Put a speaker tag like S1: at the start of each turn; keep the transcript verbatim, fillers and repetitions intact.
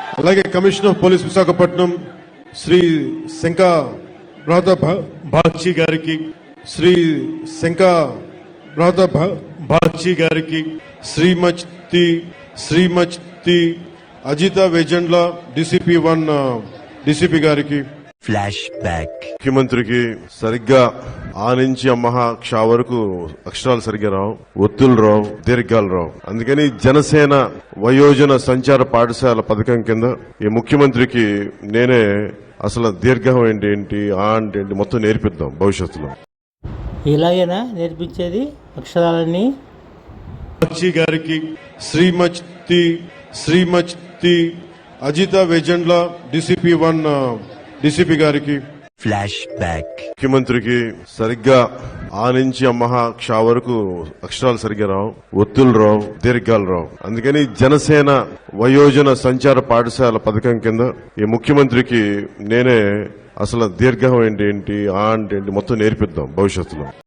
S1: అలాగే commissioner of police Visakhapatnam Shri Shanka Radha Bagchi గారికి, శ్రీ శంకా రాధా బాగ్చి గారికి, Shrimati Shrimati Ajitha Vejandla DCP one DCP గారికి,
S2: ఫ్లాష్ బ్యాక్.
S1: ముఖ్యమంత్రికి సరిగ్గా ఆ నుంచి అమ్మహ క్ష వరకు అక్షరాలు సరిగ్గా రావు, ఒత్తులు రావు, దీర్ఘాలు రావు. అందుకని జనసేన వయోజన సంచార పాఠశాల పథకం కింద ఈ ముఖ్యమంత్రికి నేనే అసలు దీర్ఘం ఏంటి ఏంటి ఆ అంటే ఏంటి మొత్తం నేర్పిద్దాం భవిష్యత్తులో.
S3: ఇలాగేనా నేర్పించేది అక్షరాలన్నీ?
S1: బాగ్చి గారికి, Shrimati Shrimati Ajitha Vejandla DCP one DCP గారికి,
S2: ఫ్లాష్ బ్యాక్.
S1: ముఖ్యమంత్రికి సరిగ్గా ఆ నుంచి అమ్మహ క్ష వరకు అక్షరాలు సరిగ్గా రావు, ఒత్తులు రావు, దీర్ఘాలు రావు. అందుకని జనసేన వయోజన సంచార పాఠశాల పథకం కింద ఈ ముఖ్యమంత్రికి నేనే అసలు దీర్ఘం ఏంటి ఏంటి ఆ అంటే ఏంటి మొత్తం నేర్పిద్దాం భవిష్యత్తులో.